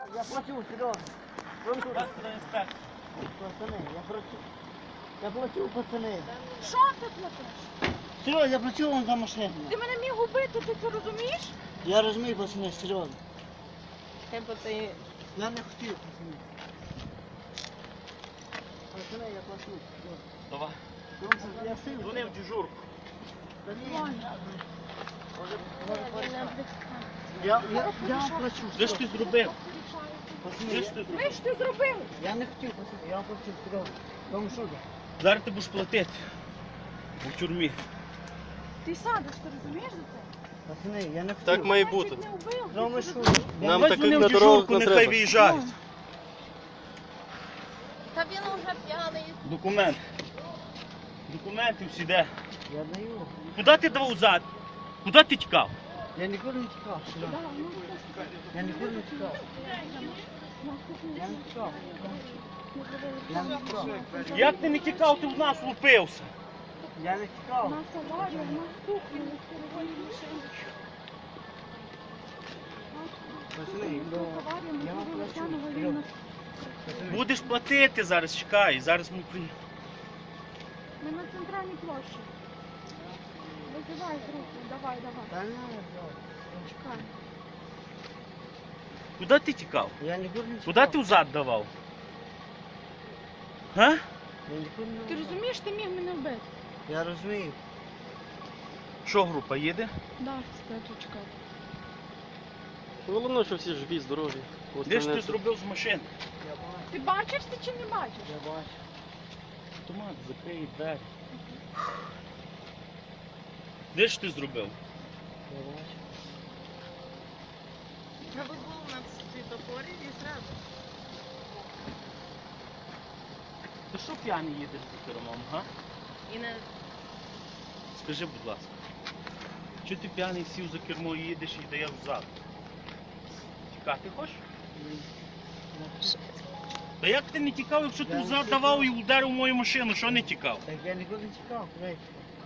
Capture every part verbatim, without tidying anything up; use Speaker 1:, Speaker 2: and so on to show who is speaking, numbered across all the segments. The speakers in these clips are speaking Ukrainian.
Speaker 1: Я плачу, Серега. Вон туди. Пацани, я плачу. Я плачу, пацани.
Speaker 2: Що ти платиш?
Speaker 1: Серега, я плачу вам за машину.
Speaker 2: Ти мене міг убити, ти це розумієш?
Speaker 1: Я розумію, пацани, Серега.
Speaker 2: Тебе ти...
Speaker 1: Я не хотів, пацани. Пацани, я плачу.
Speaker 3: Давай.
Speaker 1: Тому що я сив.
Speaker 3: Дзвони в дежурку.
Speaker 1: Та ні. Може, може, порішати. Я, я, я вам плачу.
Speaker 3: Що ж ти зробив?
Speaker 1: Пацани,
Speaker 3: Що
Speaker 1: я-
Speaker 3: ж ти
Speaker 2: Ви
Speaker 3: зробив?
Speaker 2: ж ти зробив?
Speaker 1: Я не хотів, пацани, я вам плачу, Серега. Тому що?
Speaker 3: Зараз ти будеш платити. У тюрмі.
Speaker 2: Ти садиш, ти розумієш за це?
Speaker 1: Пацани, я не хотів.
Speaker 4: Так має
Speaker 2: Я
Speaker 4: бути.
Speaker 2: чуть не вбив.
Speaker 1: Тому
Speaker 2: ти
Speaker 1: що?
Speaker 2: це розумієш?
Speaker 1: Я-
Speaker 4: Нам
Speaker 3: Давай
Speaker 4: таких
Speaker 3: дзвони
Speaker 4: на
Speaker 3: в
Speaker 4: дорогах
Speaker 3: дежурку,
Speaker 4: не
Speaker 3: нехай
Speaker 4: треба.
Speaker 3: виїжджають.
Speaker 2: Та він уже п'яний.
Speaker 3: Документ. Документи всі де.
Speaker 1: Я даю.
Speaker 3: Куди ти давав зад? Куди ти тікав?
Speaker 1: Я ніколи не тікав, Серега.
Speaker 2: Да, ну,
Speaker 1: Я ніколи не тікав. Я не тікав. Я не тікав.
Speaker 3: Як ти не тікав, ти в нас лупився?
Speaker 1: Я не
Speaker 2: У
Speaker 1: тікав.
Speaker 2: нас аварія, у нас тухли, у нас керовані машини.
Speaker 1: Пацани, ну,
Speaker 2: Аварія, ми
Speaker 1: я вам
Speaker 2: зробили
Speaker 1: плачу.
Speaker 2: Тяну,
Speaker 1: Серега.
Speaker 2: Валіна.
Speaker 1: Пацани,
Speaker 3: Будеш платити зараз, чекай. Зараз ми при...
Speaker 2: Ми на центральній площі. Визивай з руку, давай, давай.
Speaker 1: Та не треба.
Speaker 2: Чекай.
Speaker 3: Куди ти тікав?
Speaker 1: Я ніколи не тікав.
Speaker 3: Куди ти взад давав? Га?
Speaker 1: Я ніколи не
Speaker 2: Ти розумієш, ти міг мене вбити?
Speaker 1: Я розумію.
Speaker 3: Що група їде?
Speaker 2: Да, скажу, чекай.
Speaker 4: Головне, що всі живі, здорові.
Speaker 3: Де ж
Speaker 4: Остальне
Speaker 3: ти
Speaker 4: це-
Speaker 3: зробив з машини?
Speaker 1: Я бачу.
Speaker 2: Ти бачиш ти чи не бачиш?
Speaker 1: Я бачу.
Speaker 3: Автомат, закрий двері. Де ж ти зробив?
Speaker 1: Я бачу.
Speaker 2: Треба було на світофорі і зразу.
Speaker 3: Ти що п'яний їдеш за кермом, га?
Speaker 2: І не...
Speaker 3: Скажи, будь ласка. Чого ти п'яний сів за кермо і їдеш і даєш взад? Тікати хочеш? Та як ти не тікав, якщо ти
Speaker 1: Я не
Speaker 3: взад
Speaker 1: тікав.
Speaker 3: давав і ударив мою машину, що не тікав?
Speaker 1: Так я ніколи не тікав, знаєте.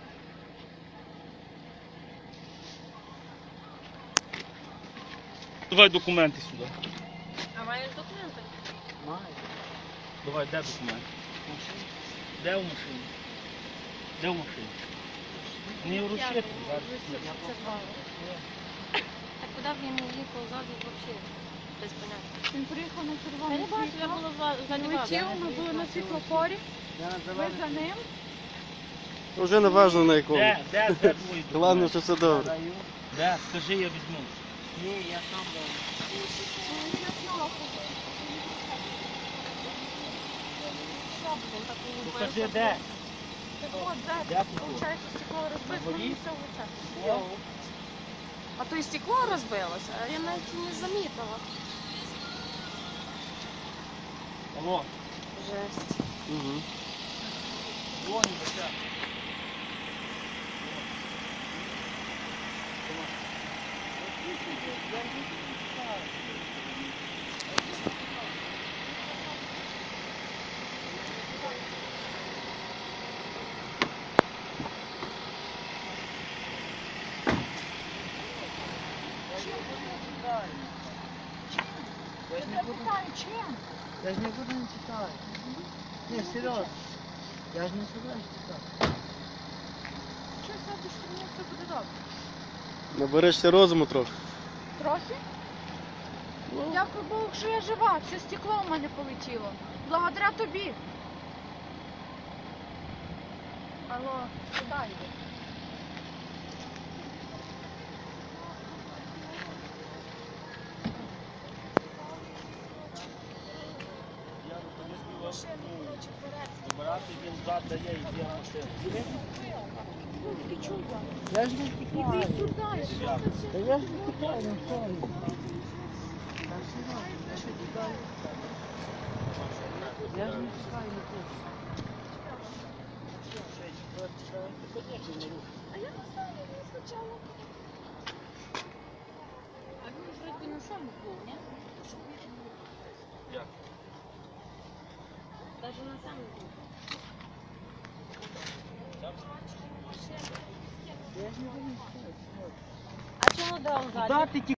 Speaker 3: Давай документи сюди.
Speaker 2: А маєш документи?
Speaker 1: Маю.
Speaker 3: Давай, де документи?
Speaker 1: Машину.
Speaker 3: Де в машині? Де в машині? Не вручити.
Speaker 5: Так куди б він їхав ззаду взагалі? Без поняття.
Speaker 2: Він приїхав на
Speaker 5: Я
Speaker 2: червоне
Speaker 5: не бачу, я
Speaker 2: світло.
Speaker 5: була за- за
Speaker 2: Він летів, ми були на світлофорі.
Speaker 1: Я на
Speaker 2: Ви
Speaker 1: зелений.
Speaker 2: за ним.
Speaker 4: Вже не важно на якому.
Speaker 3: Де? Де? Де твої документи?
Speaker 4: Головне, що все добре.
Speaker 1: Даю.
Speaker 3: Де? Скажи, я візьму.
Speaker 1: Ні, я сам даю.
Speaker 3: Покажи, де?
Speaker 2: Так от, де,
Speaker 3: Де ти був?
Speaker 2: виходить, стекло розбито,
Speaker 3: На
Speaker 2: мені
Speaker 3: воді?
Speaker 2: все в лице.
Speaker 5: А то і стекло розбилося, а я навіть і не замітила.
Speaker 3: Алло,
Speaker 5: Жесть.
Speaker 4: Угу.
Speaker 3: вон, бача.
Speaker 1: Я ж не
Speaker 2: Я
Speaker 1: буду,
Speaker 2: питаю, чим?
Speaker 1: я ж не буду не тікати. Ні, серйозно. Я ж не собираюсь тікати.
Speaker 2: Що садиш, що мені все буде добре?
Speaker 4: Наберешся розуму трохи.
Speaker 2: Трохи? Дякую Богу, що я жива, все стекло в мене полетіло. Благодаря тобі. Алло, куди йде?
Speaker 3: Забирати він зад дає і йде в машину.
Speaker 2: Ти чула?
Speaker 1: Я ж не тікаю.
Speaker 2: Іди сюди, що
Speaker 3: Я.
Speaker 2: це?
Speaker 1: Та я ж не тікаю, ну що ви? Та серйозно, я ж не тікаю. Я ж не тікаю, не хочу.
Speaker 2: А я не знаю, він спочатку.
Speaker 5: А він вроді на самому був, ні?
Speaker 3: Як?
Speaker 5: Навіть на самому був.
Speaker 1: Я ж не буду тікати.
Speaker 5: А чому дав ззаді?
Speaker 3: Куди ти